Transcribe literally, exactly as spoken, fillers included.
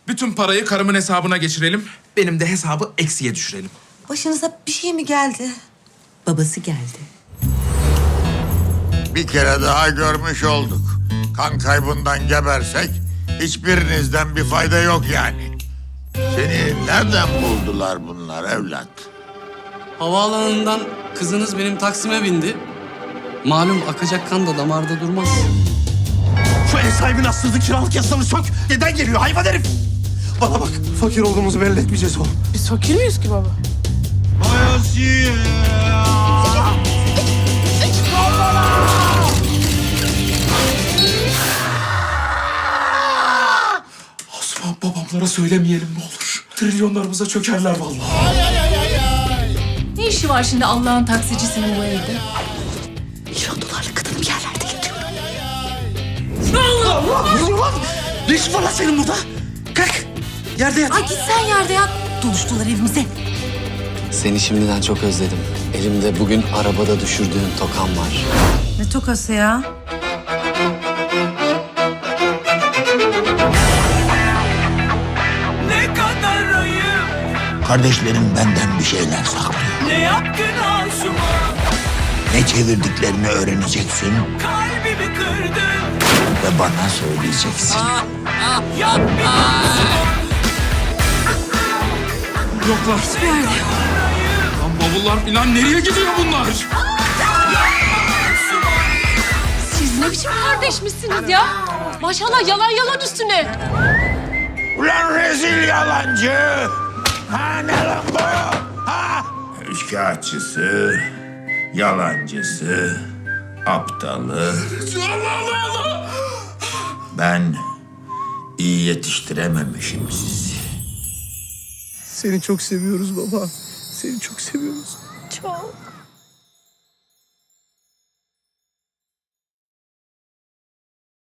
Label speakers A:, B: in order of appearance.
A: Bütün parayı karımın hesabına geçirelim. Benim de hesabı eksiye düşürelim.
B: Başınıza bir şey mi geldi?
C: Babası geldi.
D: Bir kere daha görmüş olduk. Kan kaybından gebersek hiçbirinizden bir fayda yok yani. Seni nereden buldular bunlar evlat?
E: Havaalanından kızınız benim Taksim'e bindi. Malum akacak kan da damarda durmaz.
F: Şu ev sahibinin haksızlık kiralık yasanı sök. Neden geliyor hayvan herif? Bana bak, fakir olduğumuzu belli etmeyeceğiz oğlum.
G: Biz fakir miyiz ki baba?
A: Osman babamlara söylemeyelim ne olur. Trilyonlarımıza çökerler vallahi.
G: Ne işi var şimdi Allah'ın taksicisinin bu evde?
C: Milyon dolarlık kadın bir yerlerde yatıyor.
F: Allah! Yürü lan! Ne işin var lan senin burada? Kalk! Yerde yat.
C: Ay git sen yerde yat. Doluştular evimize.
E: Seni şimdiden çok özledim. Elimde bugün arabada düşürdüğün tokan var.
C: Ne tokası ya?
H: Ne kadar ayıp,
D: Kardeşlerim benden bir şeyler saklıyor.
H: ne yaptın aşıma,
D: Ne çevirdiklerini öğreneceksin
H: kalbimi kırdın.
D: ve bana söyleyeceksin.
H: Yapma.
A: Yoklar. Hiçbir yerde yok. Lan bavullar falan nereye gidiyor bunlar?
G: Siz ne biçim kardeşmişsiniz ya? Maşallah yalan yalan üstüne.
D: Ulan rezil yalancı! Ha ne lan bu? Ha? Üçkağıtçısı, yalancısı, aptalı. Ben iyi yetiştirememişim sizi.
F: Seni çok seviyoruz baba. Seni çok seviyoruz.
C: Çok.